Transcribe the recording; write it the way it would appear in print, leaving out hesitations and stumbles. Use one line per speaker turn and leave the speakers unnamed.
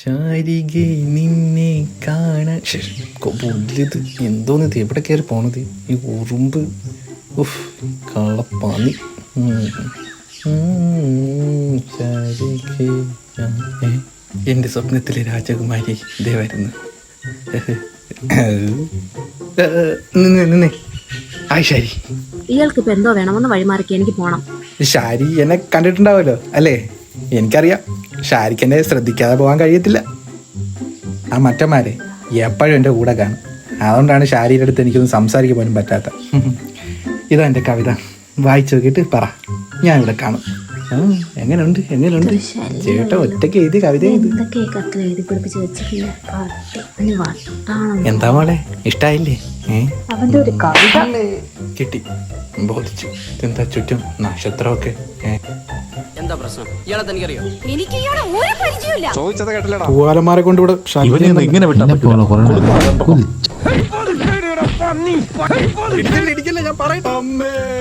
ശാരികെ നിന്നെ കാണാൻ പുല്ലിത് എന്തോന്നിത് എവിടെ കയറി പോണത് ഈ ഉറുമ്പ് ഉഫ് കള്ളപ്പാന്നി ശാരികെ എൻ്റെ സ്വപ്നത്തിലെ രാജകുമാരി ഇതേ വരുന്നു നിന്നെ ആയി ശാരി
ഇയാൾക്ക് ഇപ്പൊ എന്തോ വേണമെന്ന് വഴിമാറിക്ക് എനിക്ക് പോണം.
ഷാരി എന്നെ കണ്ടിട്ടുണ്ടാവല്ലോ അല്ലേ? എനിക്കറിയാം ഷാരിക്ക് എന്നെ ശ്രദ്ധിക്കാതെ പോകാൻ കഴിയത്തില്ല. ആ മറ്റന്മാരെ എപ്പോഴും എൻ്റെ കൂടെ കാണും. അതുകൊണ്ടാണ് ഷാരിയുടെ അടുത്ത് എനിക്കൊന്നും സംസാരിക്കാൻ പോലും പറ്റാത്ത. ഇതാ എൻ്റെ കവിത, വായിച്ചു നോക്കിയിട്ട് പറ, ഞാൻ ഇവിടെ കാണും. എങ്ങനെയുണ്ട് ചേട്ടൻ ഒറ്റയ്ക്ക് എഴുതി കവിത എന്താ മോളെ ഇഷ്ടായില്ലേ?
അവന്റെ ഒരു കവിത
കിട്ടി, ബോധിച്ചു. എന്താ ചുറ്റും നക്ഷത്രമൊക്കെ
എന്താ പ്രശ്നം? ഇയാളെ തനിക്കറിയോ?
എനിക്ക് ഇയാളെ ഒരു പരിചയമില്ല.
ചോദിച്ചത് കേട്ടില്ലടാ.
പൂവാലന്മാരെ കൊണ്ട് ഇവിടെ
ഇങ്ങനെ വിട്ടാ
ഞാൻ പറയട്ടെ. അമ്മേ